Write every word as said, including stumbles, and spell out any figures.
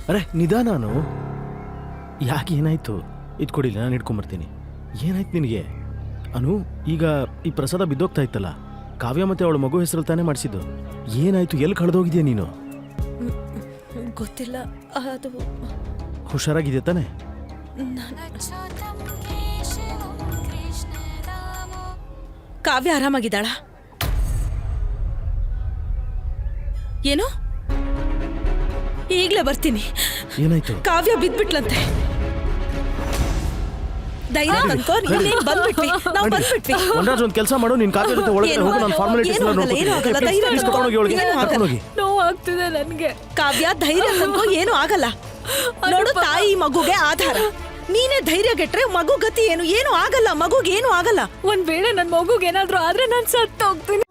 ಅರೆ ನಿಧಾನಾನು. ಯಾಕೆ ಏನಾಯ್ತು? ಇದು ಕೊಡಿಲ್ಲ, ನಾನು ಇಟ್ಕೊಂಬರ್ತೀನಿ. ಏನಾಯ್ತು ನಿನಗೆ? ಅನು, ಈಗ ಈ ಪ್ರಸಾದ ಬಿದ್ದೋಗ್ತಾ ಇತ್ತಲ್ಲ, ಕಾವ್ಯ ಮತ್ತೆ ಅವಳ ಮಗು ಹೆಸರು ತಾನೇ ಮಾಡಿಸಿದ್ದು. ಏನಾಯ್ತು? ಎಲ್ಲಿ ಕಳೆದೋಗಿದ್ಯಾ ನೀನು? ಗೊತ್ತಿಲ್ಲ. ಅದು ಹುಷಾರಾಗಿದೆಯಾ ತಾನೆ? ಕಾವ್ಯ ಆರಾಮಾಗಿದ್ದಾಳ? ಏನು? ಈಗ್ಲೇ ಬರ್ತೀನಿ. ಏನಾಯ್ತು? ಕಾವ್ಯ ಬಿದ್ಬಿಟ್ಲಂತೆ. ಧೈರ್ಯ ತಂದ್ಕೋ, ನೀನೇನ್ ಬಂದ್ಬಿಟ್ವಿ, ನಾವು ಬಂದ್ಬಿಟ್ವಿ. ಒಂದಾಜ್ ಒಂದು ಕೆಲಸ ಮಾಡು, ನೀನ್ ಕಾವ್ಯ ಜೊತೆ ಒಳಗಡೆ ಹೋಗು, ನಾನು ಫಾರ್ಮಾಲಿಟೀಸ್ ಎಲ್ಲ ನೋಡ್ತೀನಿ. ನೋವು ಆಗ್ತಿದೆ ನನ್ಗೆ. ಕಾವ್ಯ ಧೈರ್ಯ ತಂದ್ಕೋ, ಏನು ಆಗಲ್ಲ. ನೋಡು, ತಾಯಿ ಮಗುಗೆ ಆಧಾರ. ನೀನೇ ಧೈರ್ಯ ಗೆಟ್ರೆ ಮಗು ಗತಿ ಏನು? ಏನು ಆಗಲ್ಲ, ಮಗುಗೆ ಏನು ಆಗಲ್ಲ. ಒಂದ್ ವೇಳೆ ನನ್ ಮಗುಗೆ ಏನಾದ್ರೂ ಆದ್ರೆ ನಾನ್ ಸತ್ತು ಹೋಗ್ತೀನಿ.